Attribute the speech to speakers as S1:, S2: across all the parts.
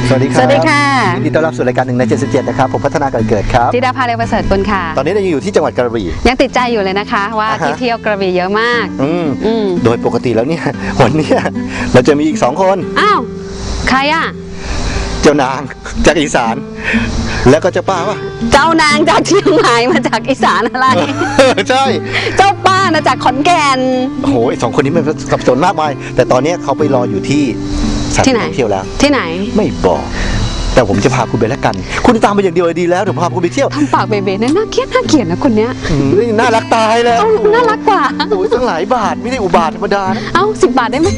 S1: สวัสดีครับ
S2: สวัสดีค่ะ
S1: ยินดีต้อนรับสู่รายการ1 ใน 77นะครับผมพัฒนาการเกิดครับ
S2: ธิดาภาเรวประเสริฐกุลค่ะ
S1: ตอนนี้เรายังอยู่ที่จังหวัดกระบี่
S2: ยังติดใจอยู่เลยนะคะว่าที่เที่ยวกระบี่เยอะมาก
S1: โดยปกติแล้วเนี่ยวันนี้เราจะมีอีก2 คน
S2: อ้าวใครอ่ะ
S1: เจ้านางจากอีสานแล้วก็เจ้าป้าป่ะ
S2: เจ้านางจากเชียงใหม่มาจากอีสานอะไร
S1: ใช่
S2: เจ้าป้านะจากขอนแก่น
S1: โอ้โห2 คนนี้มันสับสนมากมายแต่ตอนนี้เขาไปรออยู่ที่สถานที่ท่องเที่ยวแล้ว
S2: ที่ไหน
S1: ไม่บอกแต่ผมจะพาคุณไปแล้วกันคุณตามไปอย่างเดียวดีแล้วเดี๋ยวพาคุณไปเที่ยว
S2: ทำปากเบ๋ๆน่าเกลียดนะคนเนี้ย
S1: น่ารักตายแล้ว
S2: น่ารักกว่า
S1: โอ้ยตั้งหลายบาทไม่ได้อุบาทธรรมดานะ
S2: เอ้า10 บาทได้ไหม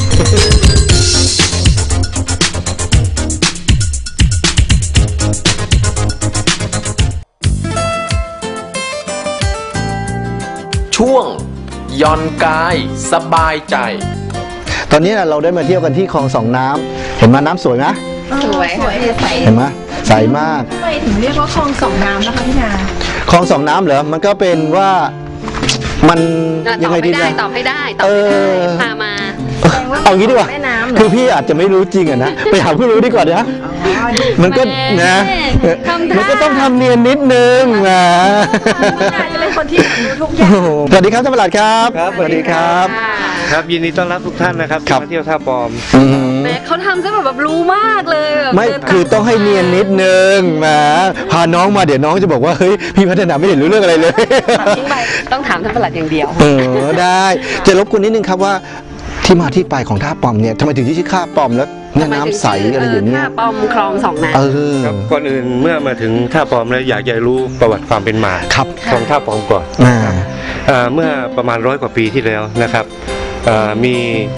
S3: ช่วงย่อนกายสบายใจ
S1: ตอนนี้เราได้มาเที่ยวกันที่คลอง2 น้ำเห็นมาน้ำสวยไหม
S2: สวยใส
S1: เห็นไหมใสมาก
S4: ทำไมถึงเรียกว่าคลอง2 น้ำนะคะพี่นา
S1: คลอง2 น้ำเหรอมันก็เป็นว่ามัน
S2: ยังไงดีนะตอบให้ได้พามา
S1: เอางี้ดีกว่าคือพี่อาจจะไม่รู้จริงอะนะไปหาผู้รู้ดีกว่านะมันก็นะมันก็ต้องทำเนียนนิดนึงนะ
S4: จะเป็นคนที่รู้ทุกอย่าง
S1: สวัสดีครับท่านประหลัดครับสวัสดีครับ
S5: ครับยินดีต้อนรับทุกท่านนะครับมาเที่ยวท่าปอม
S2: แม่เขาทำซะแบบรู้มากเลย
S1: ไม่คือต้องให้เนียนนิดนึงนะพาน้องมาเดี๋ยวน้องจะบอกว่าเฮ้ยพี่พัฒนาไม่เห็นรู้เรื่องอะไรเลย
S2: ต้องถามท่านประหลัดอย่างเดียว
S1: ได้จะรบกวนนิดนึงครับว่าที่มาที่ไปของท่าปอมเนี่ยทำไมถึงชื่อท่าปอมแล้วเนี่ยน้ำใสอะไรอย่างเงี้ย
S2: ท่าปอมคลอง2 น้ำ
S5: ครับก่อนอื่นเมื่อมาถึงท่าปอมแล้วอยากจะรู้ประวัติความเป็นมาของท่าปอมก่อนเมื่อประมาณ100 กว่าปีที่แล้วนะครับมี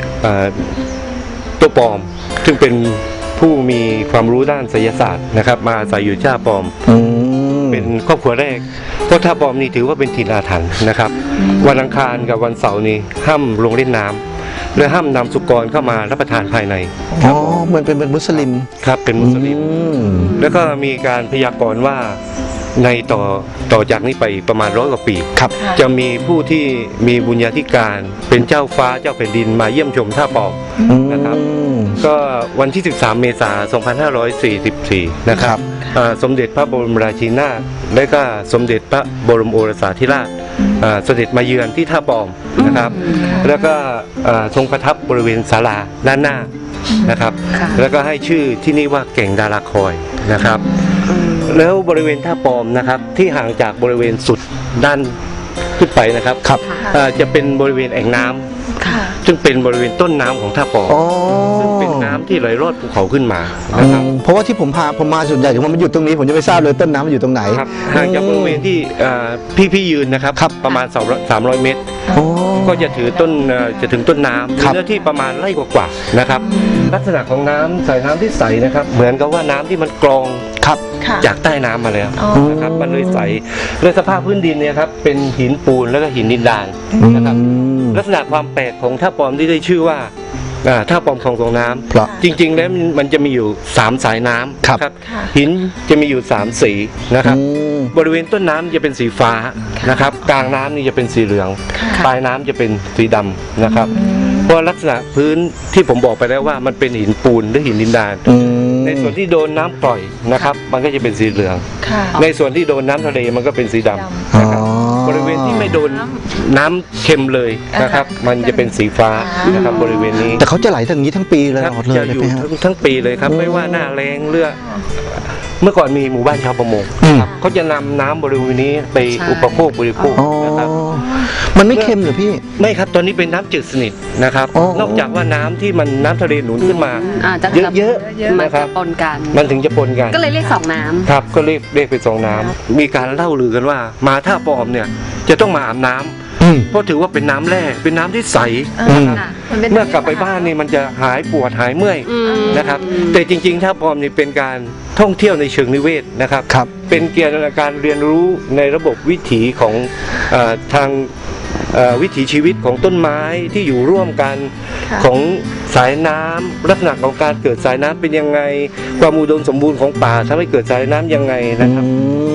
S5: ตัวปอมซึ่งเป็นผู้มีความรู้ด้านไสยศาสตร์นะครับมาอาศัยอยู่ท่าปอมเป็นครอบครัวแรกเพราะท่าปอมนี่ถือว่าเป็นถิ่นอาถรรพ์นะครับวันอังคารกับวันเสาร์นี้ห้ามลงเล่นน้ำและห้ามนำสุกรเข้ามารับประทานภายใน
S1: อ๋อเหมือนเป็นมุสลิม
S5: ครับเป็นมุสลิมแล้วก็มีการพยากรณ์ว่าในต่อจากนี้ไปประมาณ100 กว่าปีจะมีผู้ที่มีบุญญาธิการเป็นเจ้าฟ้าเจ้าแผ่นดินมาเยี่ยมชมท่าปอมนะครับก็วันที่13 เมษายน 2544นะครับสมเด็จพระบรมราชินีนาถและก็สมเด็จพระบรมโอรสาธิราชเสด็จมาเยือนที่ท่าปอมนะครับแล้วก็ทรงประทับบริเวณศาลาด้านหน้านะครับแล้วก็ให้ชื่อที่นี่ว่าเก่งดาราคอยนะครับแล้วบริเวณท่าปอมนะครับที่ห่างจากบริเวณสุดด้านขึ้นไปนะครับจะเป็นบริเวณแอ่งน้ำซึ่งเป็นบริเวณต้นน้ำของท่าปอมซึ่งเป็นน้ำที่ไหลลอดภูเขาขึ้นมานะครับ
S1: เพราะว่าที่ผมมาส่วนใหญ่ถึงมันอยู่ตรงนี้ผมจะไม่ทราบเลยต้นน้ำมันอยู่ตรงไหน
S5: ห่างจากบริเวณที่พี่ยืนนะครับประมาณ300 เมตรก็จะถึงต้นน้ำเนื้อที่ประมาณไร่กว่าๆนะครับลักษณะของน้ำสายน้ำที่ใสนะครับเหมือนกับว่าน้ำที่มันกรองจากใต้น้ำมาแล้วนะครับมันเลยใสและสภาพพื้นดินเนี่ยครับเป็นหินปูนแล้วก็หินดินดานนะครับลักษณะความแปลกของท่าปอมที่ได้ชื่อว่าท่าปอมคลอง2 น้ำจริงๆแล้วมันจะมีอยู่3 สายน้ำครับหินจะมีอยู่3 สีนะครับบริเวณต้นน้ำจะเป็นสีฟ้านะครับกลางน้ำนี่จะเป็นสีเหลืองปลายน้ำจะเป็นสีดำนะครับเพราะลักษณะพื้นที่ผมบอกไปแล้วว่ามันเป็นหินปูนหรือหินดินดานในส่วนที่โดนน้ำปล่อยนะครับมันก็จะเป็นสีเหลืองในส่วนที่โดนน้ำทะเลมันก็เป็นสีดำนะครับบริเวณที่ไม่โดนน้ำเค็มเลยนะครับมันจะเป็นสีฟ้านะครับบริเวณนี้
S1: แต่เขาจะไหลทั้งนี้ทั้งปีเลย
S5: จะอยู่ทั้งปีเลยครับไม่ว่าหน้าแล้งเรือเมื่อก่อนมีหมู่บ้านชาวประมงเขาจะนำน้ำบริเวณนี้ไปอุปโภคบริโภคนะครับ
S1: มันไม่เค็มเหรอพี่
S5: ไม่ครับตอนนี้เป็นน้ำจืดสนิทนะครับนอกจากว่าน้ำที่มันน้ำทะเลหนุนขึ้นมาเยอะๆนะครับ
S2: ปนกัน
S5: มันถึงจะปนกัน
S2: ก็เลยเรียก2 น้ำ
S5: ครับก็เรียกเป็น2 น้ำมีการเล่าลือกันว่ามาท่าปอมเนี่ยจะต้องมาอาบน้ำเพราะถือว่าเป็นน้ำแร่เป็นน้ำที่ใสเมื่อกลับไปบ้านนี่มันจะหายปวดหายเมื่อยนะครับแต่จริงๆท่าปอมนี่เป็นการท่องเที่ยวในเชิงนิเวศนะครับเป็นเกี่ยวกับการเรียนรู้ในระบบวิถีของทางวิถีชีวิตของต้นไม้ที่อยู่ร่วมกันของสายน้ำลักษณะของการเกิดสายน้ำเป็นยังไงความอุดมสมบูรณ์ของป่าทำให้เกิดสายน้ำยังไงนะครับ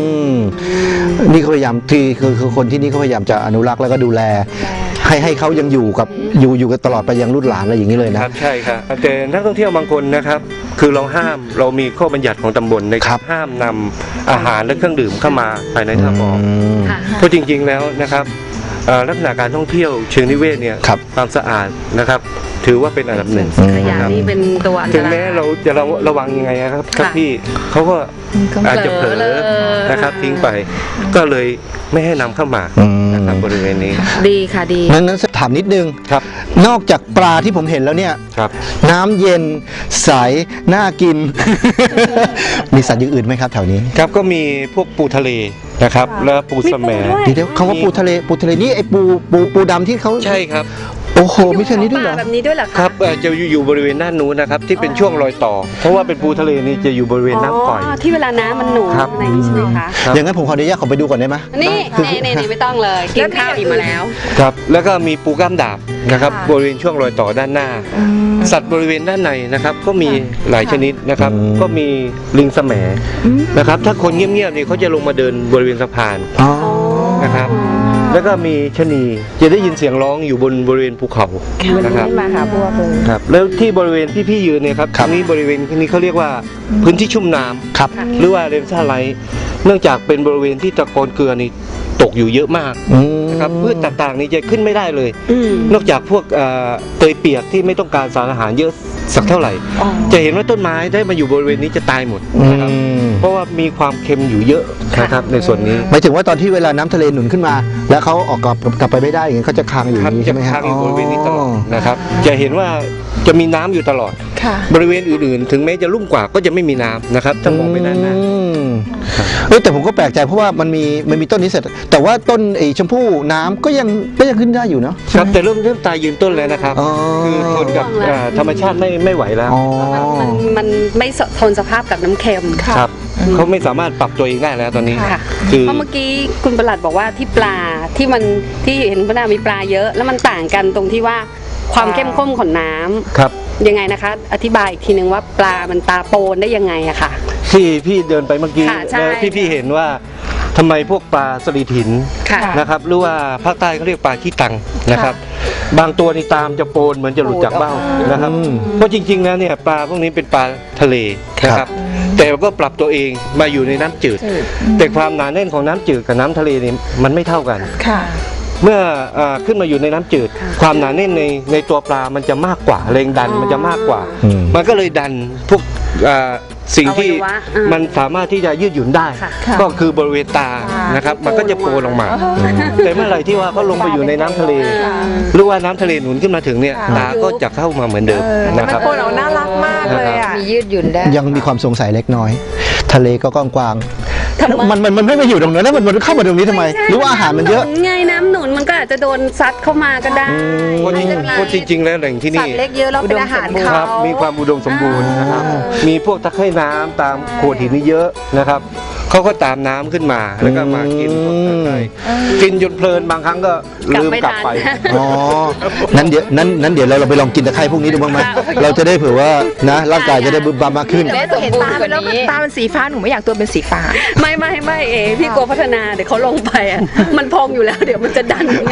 S1: นี่เขาพยายามที่คือคนที่นี่เขาพยายามจะอนุรักษ์แล้วก็ดูแล ให้เขายังอยู่กันตลอดไปยังรุ่นหลานอะไรอย่างนี้เลยนะครับ
S5: ใช่ครับแต่นักท่องเที่ยวบางคนนะครับคือเรามีข้อบัญญัติของตำบลในการห้ามนำอาหารและเครื่องดื่มเข้ามาภายในท่าบ่อ
S2: ค่ะ
S5: เพราะจริงๆแล้วนะครับลักษณะการท่องเที่ยวเชิงนิเวศเนี่ยความสะอาดนะครับถือว่าเป็นอันดับหนึ่ง
S2: ขยะนี่เป็นตัวอันตราย
S5: ถึงแม้เราจะระวังยังไงครับพี่เขาก็อาจจะเผลอนะครับทิ้งไปก็เลยไม่ให้นำเข้ามานะครับบริเวณนี้
S2: ดีค่ะดี
S1: นั้นถามนิดนึง
S5: ครับ
S1: นอกจากปลาที่ผมเห็นแล้วเนี่ย
S5: ครับ
S1: น้ำเย็นใสน่ากิน มีสัตว์อย่างอื่นไหมครับแถวนี้
S5: ครับก็มีพวกปูทะเลนะครับแล้วปูสะแหม
S1: เดี๋ยวคำว่าปูทะเลนี่ไอ้ปูดำที่เขา
S5: ใช่ครับ
S1: โอ้โหมีแค่นี้ด้วยเหรอ
S2: แบบนี้ด้วยเหรอ
S5: ครับจะอยู่บริเวณด้านนู้นนะครับที่เป็นช่วงรอยต่อเพราะว่าเป็นปูทะเลนี่จะอยู่บริเวณน้ำก่อย
S2: ที่เวลาน้ำมันหนุนในนี้ใช่ไหมคะ
S1: อย่างนั้นผมขออนุญาตขอไปดูก่อนได้ไหม
S2: นี่ไม่ต้องเลยกินข้าวอิ่มมาแล้ว
S5: ครับแล้วก็มีปูกล้ามดาบนะครับบริเวณช่วงรอยต่อด้านหน้าสัตว์บริเวณด้านในนะครับก็มีหลายชนิดนะครับก็มีลิงแสมนะครับถ้าคนเงียบๆนี่เขาจะลงมาเดินบริเวณสะพานนะครับแล้วก็มีชะนีจะได้ยินเสียงร้องอยู่บนบริเวณภูเขานะครับ
S4: มาหาพวกเลย
S5: ครับแล้วที่บริเวณที่พี่ยืนเนี่ยครับตรงนี้บริเวณที่นี้เขาเรียกว่าพื้นที่ชุ่มน้ำ
S1: ครับ
S5: หรือว่าเรนซ่าไลท์เนื่องจากเป็นบริเวณที่ตะกอนเกลือนี่ตกอยู่เยอะมากนะครับพืชต่างๆนี่จะขึ้นไม่ได้เลยนอกจากพวกเตยเปียกที่ไม่ต้องการสารอาหารเยอะสักเท่าไหร่จะเห็นว่าต้นไม้ได้มาอยู่บริเวณนี้จะตายหมดนะครับเพราะว่ามีความเค็มอยู่เยอะนะครับในส่วนนี้
S1: หมายถึงว่าตอนที่เวลาน้ำทะเลหนุนขึ้นมาแล้วเขาออกกลับไปไม่ได้อย่างนี้เขาจะค้างอยู่นี้ใช่ไหมครับ
S5: ค้างอยู่บริเวณนี้ตลอดนะครับจะเห็นว่าจะมีน้ำอยู่ตลอดบริเวณอื่นๆถึงแม้จะลุ่มกว่าก็จะไม่มีน้ำนะครับถ้ามองไปด้านหน้า
S1: แต่ผมก็แปลกใจเพราะว่ามันมีต้นนี้เสร็จแต่ว่าต้นไอ้ชมพู่น้ำก็ยังขึ้นได้อยู่เนาะ
S5: ครับแต่เริ่มตายยืนต้นแล้วนะครับคือทนกับธรรมชาติไม่ไหวแล้ว
S2: มันไม่ทนสภาพกับน้ำเค็ม
S5: ครับเขาไม่สามารถปรับตัวเองได้แล้วตอนนี้
S2: เพราะเมื่อกี้คุณประหลัดบอกว่าที่ปลาที่เห็นพนามีปลาเยอะแล้วมันต่างกันตรงที่ว่าความเข้มข้นของน้ำ
S5: ครับ
S2: ยังไงนะคะอธิบายอีกทีนึงว่าปลามันตาโปนได้ยังไงอะค่ะ
S5: ที่พี่เดินไปเมื่อกี้พี่เห็นว่าทำไมพวกปลาสลิดหินนะครับหรือว่าภาคใต้เขาเรียกปลาขี้ตังนะครับบางตัวนี่ตามจะโปนเหมือนจะหลุดจากเบ้านะครับเพราะจริงๆแล้วเนี่ยปลาพวกนี้เป็นปลาทะเลนะครับแต่ก็ปรับตัวเองมาอยู่ในน้ำจืดแต่ความหนาแน่นของน้ำจืดกับน้ำทะเลนี่มันไม่เท่ากันเมื่อขึ้นมาอยู่ในน้ำจืดความหนาแน่นในตัวปลามันจะมากกว่าแรงดันมันจะมากกว่ามันก็เลยดันพวกสิ่งที่มันสามารถที่จะยืดหยุ่นได้ก็คือบริเวณตานะครับมันก็จะโปรลงมาแต่เมื่อไหร่ที่ว่าเขาลงไปอยู่ในน้ำทะเลหรือว่าน้ำทะเลหนุนขึ้นมาถึงเนี่ยตาก็จะเข้ามาเหมือนเดิมนะครับ
S4: โปรเราน่ารักมากเลยอ่ะ
S2: มียืดหยุ่นได้
S1: ยังมีความสงสัยเล็กน้อยทะเลก็กว้างมันไม่มาอยู่ตรงนั้นแล้วมันเข้ามาตรงนี้ทำไมหรือว่าอาหารมันเยอะ
S2: ไงน้ำหนุนมันก็อาจจะโดนซัดเข้ามาก็ได้
S5: เพราะจริงๆแล้วแหล่งที่นี่
S4: สัตว์เล็กเยอะแล้วเป็นอาหารเขา
S5: มีความอุดมสมบูรณ์นะครับมีพวกตะไคร่น้ำตามโขดหินนี่เยอะนะครับเขาก็ตามน้ำขึ้นมาแล้วก็มากินพวกตะไคร่กินจนเพลินบางครั้งก็ลืมกลับไป
S1: อ๋อนั้นเดี๋ยวเราไปลองกินตะไคร่พวกนี้ดูบ้างไหมเราจะได้เผื่อว่านะร่างกายจะได้บึ้มบ้ามมากขึ้น
S4: เห็นตาแล้วตาเป็นสีฟ้าหนูไม่อยากตัวเป็นสีฟ้า
S2: ไม่พี่กลัวพัฒนาเดี๋ยวเขาลงไปอ่ะมันพองอยู่แล้วเดี๋ยวมันจะดันยังไง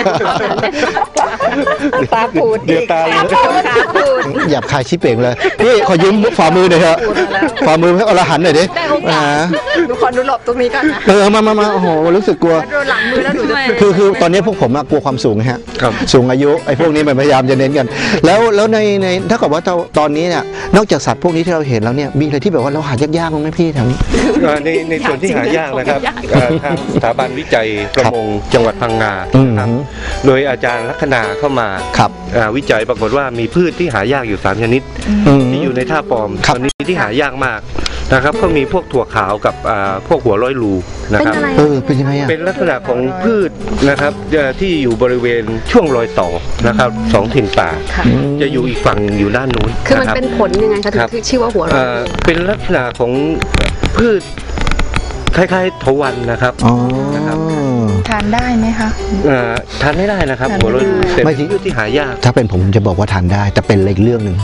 S2: ตาปูด
S5: เดี๋ยวตา
S1: หยับคายชิเป่งเลยพี่ขอยืมฝ่ามือหน่อยเถอะฝ่ามือให้อรหันต์หน่อยดิ
S4: หนูขอดูหลบตรงนี้ก่อนนะ
S1: มาโอ้โหรู้สึกกลัว
S4: โดนหลังมือแล้วหนูจะ
S1: คือตอนนี้พวกผมกลัวความสูงฮะสูงอายุไอ้พวกนี้มันพยายามจะเน้นกันแล้วในถ้าเกิดว่าตอนนี้เนี่ยนอกจากสัตว์พวกนี้ที่เราเห็นแล้วเนี่ยมีอะไรที่แบบว่าเราหายากๆมั้งไหมพี่แถวนี้
S5: ในส่วนที่หายากนะครับทางสถาบันวิจัยประมงจังหวัดพังงาครับโดยอาจารย์ลัคนาเข้ามาวิจัยปรากฏว่ามีพืชที่หายากอยู่3ชนิดที่อยู่ในท่าปอมตอนนี้ที่หายากมากนะครับก็มีพวกถั่วขาวกับพวกหัวร้อยรูนะครับ
S1: เป็นยังไง
S5: เป็นลักษณะของพืชนะครับที่อยู่บริเวณช่วงรอยต่อนะครับ2ถิ่นป่าจะอยู่อีกฝั่งอยู่ด้านนู้น
S2: คือมันเป็นผลยังไงคะถึงชื่อว่าหัวร้อย
S5: เป็นลักษณะของพืชคล้ายๆทวันนะครับ
S4: ทานได้ไหมคะ
S5: ทานไม่ได้นะครับหัวโรยแต่
S1: ไม่
S5: เป็นพืชที่หายาก
S1: ถ้าเป็นผมจะบอกว่าทานได้แต่เป็นอีกเรื่องหนึ่ง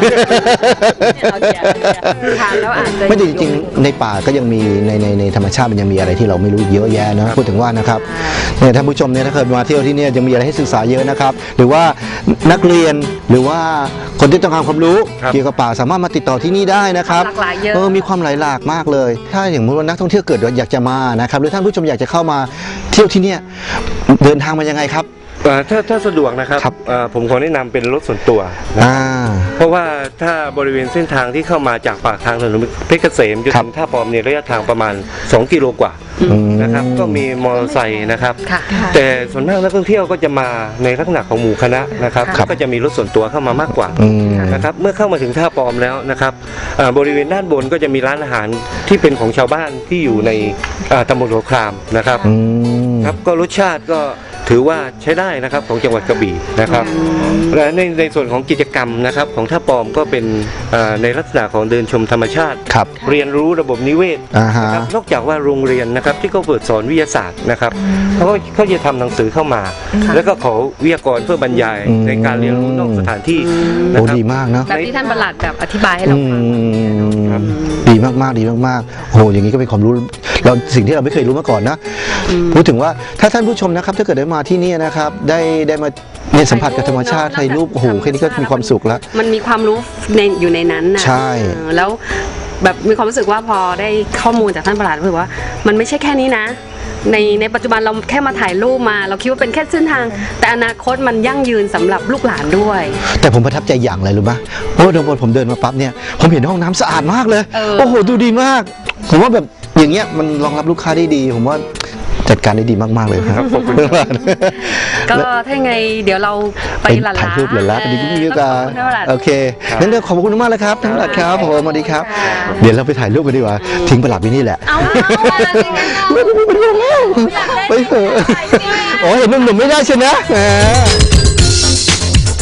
S2: ทานแล้วอาจจะ
S1: ไม่จริงๆในป่าก็ยังมีในธรรมชาติมันยังมีอะไรที่เราไม่รู้เยอะแยะนะพูดถึงว่านะครับเนี่ยท่านผู้ชมเนี่ยถ้าเคยมาเที่ยวที่เนี่ยยังมีอะไรให้ศึกษาเยอะนะครับหรือว่านักเรียนหรือว่าคนที่ต้องการความรู้
S5: ครับ
S1: เกี่ยวกับป่าสามารถมาติดต่อที่นี่ได้นะครับ
S2: หลากหลายเยอะ
S1: มีความหลายหลากมากเลย ถ้าอย่างว่านักท่องเที่ยวเกิดอยากจะมานะครับหรือท่านผู้ชมอยากจะเข้ามาเที่ยวที่เนี่ยเดินทางมายังไงครับ
S5: ถ้าสะดวกนะครับ
S1: ครับ
S5: ผมขอแนะนำเป็นรถส่วนตัวนะ เพราะว่าถ้าบริเวณเส้นทางที่เข้ามาจากปากทางถนนเพชรเกษมจน
S1: ครับ
S5: ถึงท่าปอมเนี่ยระยะทางประมาณ2 กิโลกว่านะครับก็มีมอเตอร์ไซค์นะครับ
S2: ค่ะ
S5: แต่ส่วนมากนักท่องเที่ยวก็จะมาในลักษณะของหมู่คณะนะครับ
S1: ครับ
S5: ก็จะมีรถส่วนตัวเข้ามามากกว่า
S1: อืม
S5: นะครับเมื่อเข้ามาถึงท่าปอมแล้วนะครับบริเวณด้านบนก็จะมีร้านอาหารที่เป็นของชาวบ้านที่อยู่ในตำบลหัวครามนะครับ
S1: อืม
S5: ครับก็รสชาติก็ถือว่าใช้ได้นะครับของจังหวัดกระบี่นะครับและในส่วนของกิจกรรมนะครับของท่าปอมก็เป็นในลักษณะของเดินชมธรรมชาติ
S1: ครับ
S5: เรียนรู้ระบบนิเวศ
S1: อ่าฮะ
S5: นะครับนอกจากว่าโรงเรียนนะครับที่เขาเปิดสอนวิทยาศาสตร์นะครับเขาจะทำหนังสือเข้ามา แล้วก็ขอวิทยากรเพื่อบรรยายในการเรียนรู้นอกสถานที่นะ
S1: โอ้
S5: ครับ
S1: ดีมากเนาะ
S2: แบบที่ท่านประหลัดแบบอธิบายให้เราฟัง
S5: ครับ
S1: ดีมากๆดีมากๆโอ้โหอย่างนี้ก็เป็นความรู้เราสิ่งที่เราไม่เคยรู้มาก่อนนะพูดถึงว่าถ้าท่านผู้ชมนะครับถ้าเกิดได้มาที่นี่นะครับได้มาเนี่ยสัมผัสกับธรรมชาติถ่ายรูปโอ้โหแค่นี้ก็มีความสุขแล้ว
S2: มันมีความรู้อยู่ในนั้นนะ
S1: ใช่
S2: แล้วแบบมีความรู้สึกว่าพอได้ข้อมูลจากท่านประหลัดรู้สึกว่า มันไม่ใช่แค่นี้นะ ในปัจจุบันเราแค่มาถ่ายรูปมา เราคิดว่าเป็นแค่เส้นทาง แต่อนาคตมันยั่งยืนสำหรับลูกหลานด้วย
S1: แต่ผมประทับใจอย่างอะไรรู้ไหมโอ้เดี๋ยวผมเดินมาปั๊บเนี่ยผมเห็นห้องน้ำสะอาดมากเลย โอ้โหดูดีมาก ผมว่าแบบอย่างเงี้ยมันรองรับลูกค้าได้ดี ผมว่าจัดการได้ดีมากๆเลยครับขอบคุณมาก
S2: ก็ถ้ายังไงเดี๋ยวเราไปหลาน
S1: ถ่ายรูปหลานๆไปดีกันดีกว่าโอเคงั้นเดี๋ยวขอบคุณมากเลยครับท่านประหลัดครับผมสวัสดีครับ เดี๋ยวเราไปถ่ายรูปกันดีกว่าทิ้งประหลัดไว้นี่แหละ
S2: เอาอะไรอย่างนั้นเอา
S1: ไปเถอะโอ้ยเห็นหนุ่มๆไม่ได้ใช่ไหม